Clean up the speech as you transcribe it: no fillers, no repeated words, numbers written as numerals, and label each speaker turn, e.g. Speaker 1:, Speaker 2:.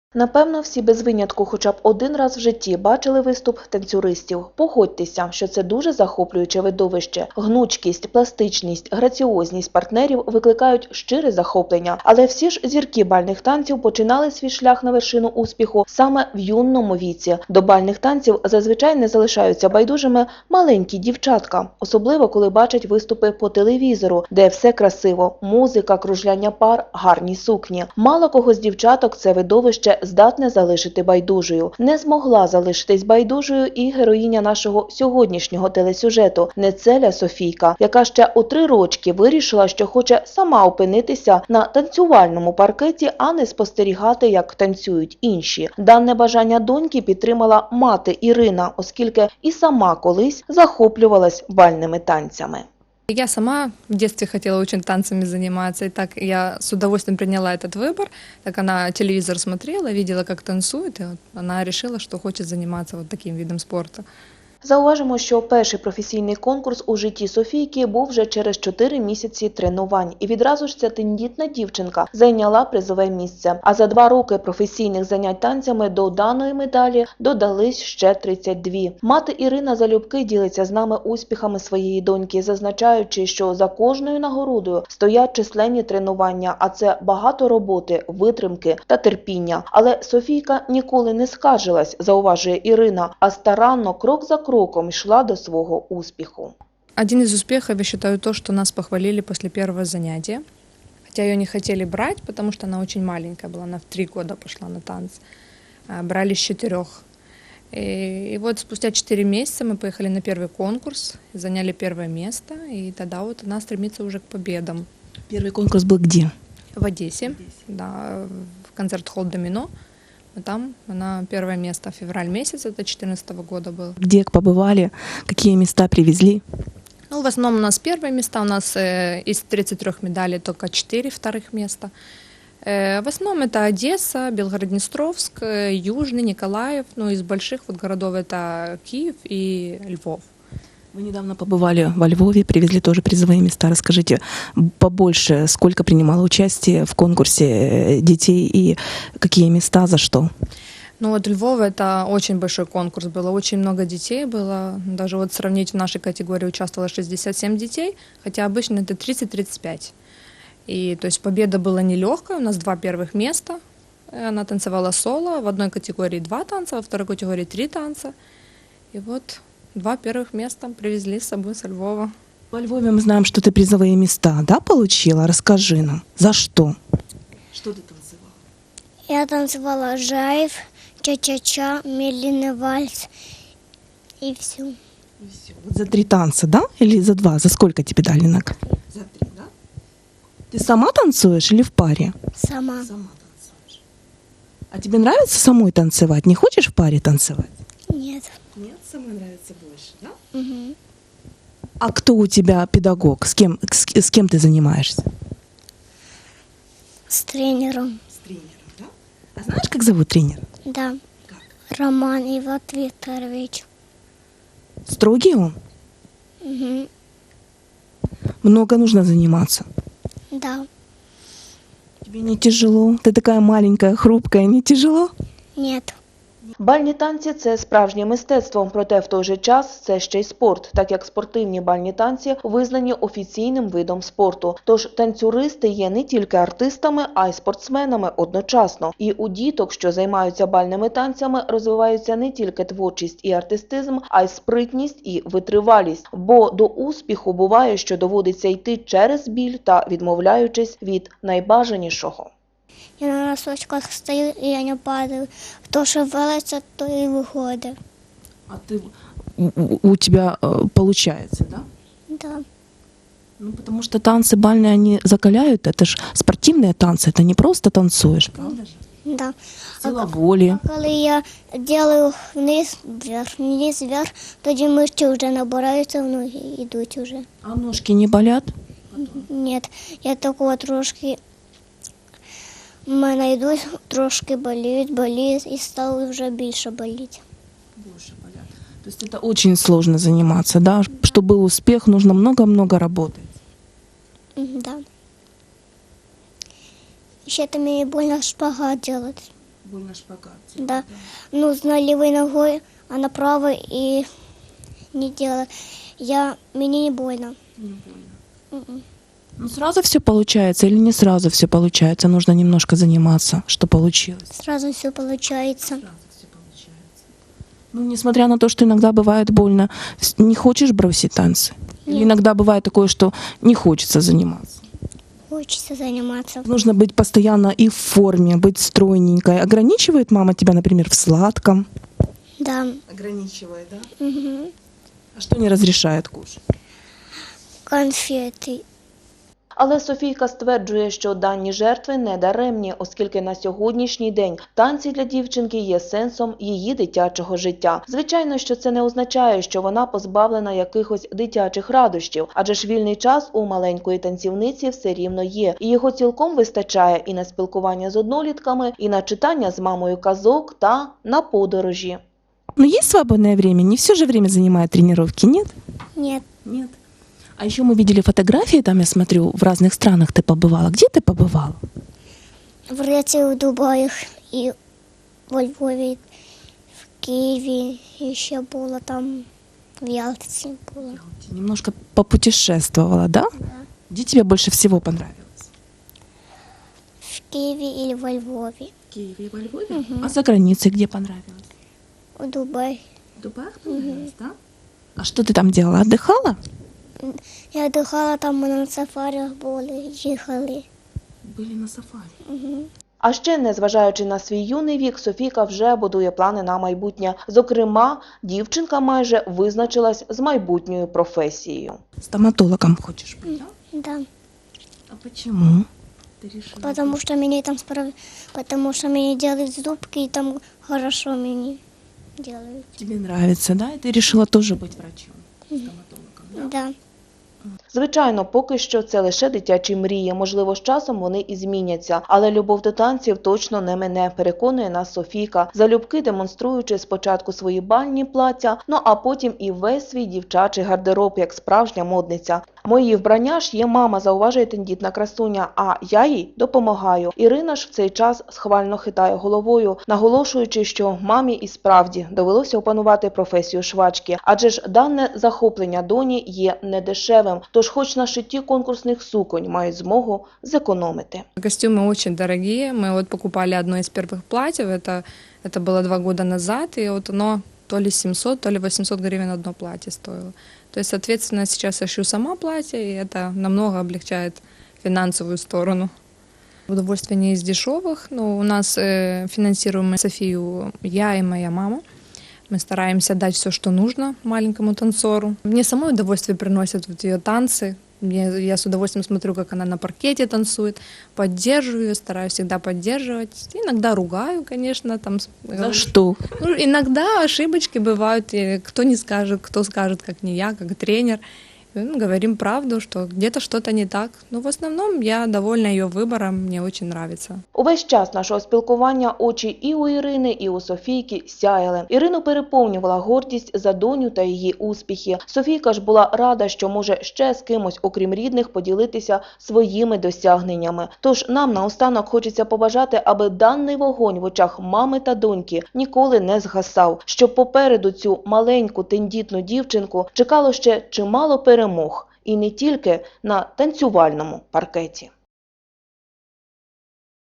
Speaker 1: Напевно, всі без винятку хоча б один раз в житті бачили виступ танцюристів. Погодьтеся, що це дуже захоплююче видовище. Гнучкість, пластичність, граціозність партнерів викликають щире захоплення. Але всі ж зірки бальних танців починали свій шлях на вершину успіху саме в юному віці. До бальних танців зазвичай не залишаються байдужими маленькі дівчатка. Особливо, коли бачать виступи по телевізору, де все красиво – музика, кружляння пар, гарні сукні. Мало кого з дівчаток це видовище здатне залишити байдужою. Не змогла залишитись байдужою і героїня нашого сьогоднішнього телесюжету – Нецеля Софійка, яка ще у 3 рочки вирішила, що хоче сама опинитися на танцювальному паркеті, а не спостерігати, як танцюють інші. Дане бажання доньки підтримала мати Ірина, оскільки і сама колись захоплювалась бальними танцями.
Speaker 2: Я сама в детстве хотела очень танцами заниматься, и так я с удовольствием приняла этот выбор. Так она телевизор смотрела, видела, как танцует, и вот она решила, что хочет заниматься вот таким видом спорта.
Speaker 1: Зауважимо, що перший професійний конкурс у житті Софійки був вже через 4 місяці тренувань. І відразу ж ця тендітна дівчинка зайняла призове місце. А за 2 роки професійних занять танцями до даної медалі додались ще 32. Мати Ірина залюбки ділиться з нами успіхами своєї доньки, зазначаючи, що за кожною нагородою стоять численні тренування, а це багато роботи, витримки та терпіння. Але Софійка ніколи не скаржилась, зауважує Ірина, а старанно, крок за кроком йшла до свого успіху.
Speaker 2: Один из успехов, я считаю, то, что нас похвалили после первого занятия. Хотя ее не хотели брать, потому что она очень маленькая была, она в 3 года пошла на танцы. Брали с 4. И вот спустя 4 месяца мы поехали на первый конкурс, заняли первое место, и тогда вот она стремится уже к победам.
Speaker 3: Первый конкурс был где?
Speaker 2: В Одессе, да, в концерт-холл «Домино». Там она первое место, февраль месяц, это 2014 года был.
Speaker 3: Где побывали, какие места привезли?
Speaker 2: Ну, в основном у нас первые места, у нас из 33 медалей только 4 вторых места. В основном это Одесса, Белгород-Днестровск, Южный, Николаев, ну, из больших вот городов это Киев и Львов.
Speaker 3: Вы недавно побывали во Львове, привезли тоже призовые места. Расскажите побольше, сколько принимало участие в конкурсе детей и какие места, за что?
Speaker 2: Ну вот Львов это очень большой конкурс, было очень много детей, было даже вот сравнить в нашей категории участвовало 67 детей, хотя обычно это 30-35. И то есть победа была нелегкая, у нас 2 первых места, она танцевала соло, в одной категории 2 танца, во второй категории 3 танца. И вот 2 первых места привезли с собой со Львова.
Speaker 3: Во Львове мы знаем, что ты призовые места, да, получила? Расскажи нам, за что? Что ты танцевала?
Speaker 4: Я танцевала жайв, ча-ча-ча, медленный вальс и все.
Speaker 3: Вот за 3 танца, да? Или за 2? За сколько тебе дали наград? За 3, да? Ты сама танцуешь или в паре?
Speaker 4: Сама.
Speaker 3: Сама танцуешь. А тебе нравится самой танцевать? Не хочешь в паре танцевать?
Speaker 4: Нет.
Speaker 3: Нет, самой нравится больше, да?
Speaker 4: Угу.
Speaker 3: А кто у тебя педагог? С кем ты занимаешься?
Speaker 4: С тренером.
Speaker 3: С тренером, да? А знаешь, как зовут тренера?
Speaker 4: Да.
Speaker 3: Как?
Speaker 4: Роман Иван Викторович.
Speaker 3: Строгий он?
Speaker 4: Угу.
Speaker 3: Много нужно заниматься.
Speaker 4: Да.
Speaker 3: Тебе не тяжело? Ты такая маленькая, хрупкая, не тяжело?
Speaker 4: Нет.
Speaker 1: Бальні танці – це справжнє мистецтво, проте в той же час це ще й спорт, так як спортивні бальні танці визнані офіційним видом спорту. Тож танцюристи є не тільки артистами, а й спортсменами одночасно. І у діток, що займаються бальними танцями, розвиваються не тільки творчість і артистизм, а й спритність і витривалість. Бо до успіху буває, що доводиться йти через біль та відмовляючись від найбажанішого.
Speaker 4: Я на носочках стою, и я не падаю. Кто шевелится, то и выходит.
Speaker 3: А ты, у тебя получается, да?
Speaker 4: Да.
Speaker 3: Ну, потому что танцы бальные, они закаляют. Это же спортивные танцы, это не просто танцуешь, правда же?
Speaker 4: Да.
Speaker 3: Сила воли.
Speaker 4: А коли я делаю вниз, вверх, тоді мишці вже набираються, ноги йдуть вже.
Speaker 3: А ножки не болят?
Speaker 4: Ні, я такого трошки, в мене йдуть, трошки боліють і стало вже більше боліти.
Speaker 3: Больше болят. То есть это очень сложно заниматься, да? Чтобы был успех, нужно много-много работать.
Speaker 4: Да. Ще там мені больно шпагат делать.
Speaker 3: Больно шпагат.
Speaker 4: Да. Ну, с левой ногой, а на правой и не делала. Мне не больно.
Speaker 3: Не больно.
Speaker 4: Мгм.
Speaker 3: Ну, сразу все получается или не сразу все получается? Нужно немножко заниматься, что получилось.
Speaker 4: Сразу все получается.
Speaker 3: Сразу все получается. Ну, несмотря на то, что иногда бывает больно, не хочешь бросить танцы? Или
Speaker 4: Нет.
Speaker 3: иногда бывает такое, что не хочется заниматься?
Speaker 4: Хочется заниматься.
Speaker 3: Нужно быть постоянно и в форме, быть стройненькой. Ограничивает мама тебя, например, в сладком?
Speaker 4: Да.
Speaker 3: Ограничивает, да?
Speaker 4: Мгм.
Speaker 3: А что не разрешает кушать?
Speaker 4: Конфеты.
Speaker 1: Але Софійка стверджує, що дані жертви не даремні, оскільки на сьогоднішній день танці для дівчинки є сенсом її дитячого життя. Звичайно, що це не означає, що вона позбавлена якихось дитячих радощів, адже ж вільний час у маленької танцівниці все рівно є, і його цілком вистачає і на спілкування з однолітками, і на читання з мамою казок та на подорожі.
Speaker 3: Но есть свободное время? Не все же время занимает тренировки, нет?
Speaker 4: Нет.
Speaker 3: Нет. А еще мы видели фотографии, там я смотрю, в разных странах ты побывала. Где ты побывала?
Speaker 4: В Греции, в Дубаях и во Львове, в Киеве еще было там, в Ялте было.
Speaker 3: Немножко попутешествовала, да?
Speaker 4: Да.
Speaker 3: Где тебе больше всего понравилось?
Speaker 4: В Киеве или во Львове.
Speaker 3: В Киеве и во Львове? А за границей где понравилось?
Speaker 4: В Дубае.
Speaker 3: В Дубаях понравилось, да? А что ты там делала? Отдыхала?
Speaker 4: Я отдыхала там, мы на сафарях были, ехали.
Speaker 3: Были на сафари.
Speaker 4: Мгм.
Speaker 1: А ще, незважаючи на свій юний вік, Софійка вже будує плани на майбутнє. Зокрема, дівчинка майже визначилась з майбутньою професією.
Speaker 3: Стоматологом хочешь быть, да?
Speaker 4: Да.
Speaker 3: А почему? Ты решила?
Speaker 4: Потому что мне делают зубки, и там хорошо мне делают.
Speaker 3: Тебе нравится, да? И ты решила тоже быть врачом, стоматологом, да?
Speaker 4: Да.
Speaker 1: Звичайно, поки що це лише дитячі мрії, можливо, з часом вони і зміняться, але любов до танців точно не мине, переконує нас Софійка, залюбки демонструючи спочатку свої бальні плаття, ну а потім і весь свій дівчачий гардероб, як справжня модниця. Мої вбрання ж є мама, зауважує тендітна красуня, а я їй допомагаю. Ірина ж в цей час схвально хитає головою, наголошуючи, що мамі і справді довелося опанувати професію швачки, адже ж дане захоплення доні є недешевим, тож хоч на шитті конкурсних суконь мають змогу зекономити.
Speaker 2: Костюмы очень дорогие. Мы вот покупали одно из первых платьев. Это было 2 года назад, и вот оно то ли 700, то ли 800 гривен одно платье стоило. То есть, соответственно, сейчас я шью сама платье, и это намного облегчает финансовую сторону. Удовольствие не из дешевых, но у нас финансируем Софию я и моя мама. Мы стараемся дать все, что нужно маленькому танцору. Мне самой удовольствие приносят вот ее танцы. Я с удовольствием смотрю, как она на паркете танцует, поддерживаю ее, стараюсь всегда поддерживать. Иногда ругаю, конечно. Там,
Speaker 3: За что?
Speaker 2: ну, иногда ошибочки бывают, и кто не скажет, кто скажет, как не я, как тренер. Ну, говорим правду, что где-то что-то не так. Но в основном я довольна ее выбором, мне очень нравится.
Speaker 1: Увесь час нашого спілкування очі і у Ірини, і у Софійки сяяли. Ірину переповнювала гордість за доню та її успіхи. Софійка ж була рада, що може ще з кимось, окрім рідних, поділитися своїми досягненнями. Тож нам наостанок хочеться побажати, аби даний вогонь в очах мами та доньки ніколи не згасав, щоб попереду цю маленьку тендітну дівчинку чекало ще чимало перемог. І не тільки на танцювальному паркеті.